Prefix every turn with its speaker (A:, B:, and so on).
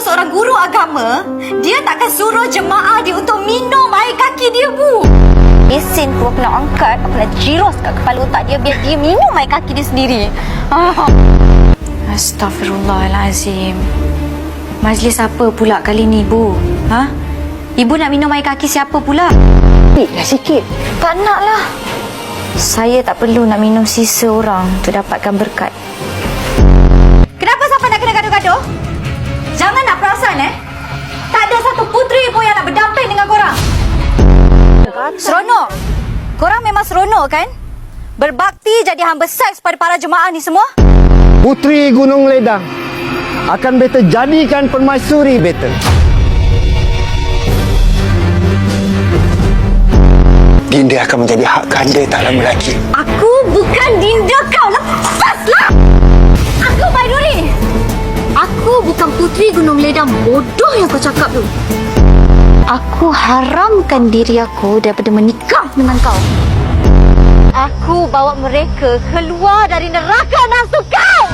A: seorang guru agama, dia takkan suruh jemaah dia untuk minum air kaki dia, Bu. Mesin tu aku nak angkat, aku nak jiros kat kepala otak dia biar dia minum air kaki dia sendiri.
B: Astaghfirullahalazim. Majlis apa pula kali ni, Bu? Ha? Ibu nak minum air kaki siapa pula?
C: Sikitlah sikit.
B: Tak naklah. Saya tak perlu nak minum sisa orang untuk dapatkan berkat.
A: Kenapa sampai nak kena gaduh-gaduh? Jangan nak perasan, tak ada satu puteri pun yang nak berdamping dengan korang. Seronok. Korang memang seronok kan? Berbakti jadi hamba seks pada para jemaah ni semua?
D: Puteri Gunung Ledang akan beta jadikan permaisuri beta.
E: Dinda akan menjadi hak ganda tak lama lagi.
A: Aku bukan dinda kau. Lepaslah! Aku Baiduri. Aku bukan puteri Gunung Ledang bodoh yang kau cakap tu. Aku haramkan diri aku daripada menikah dengan kau. Aku bawa mereka keluar dari neraka nafsu kau.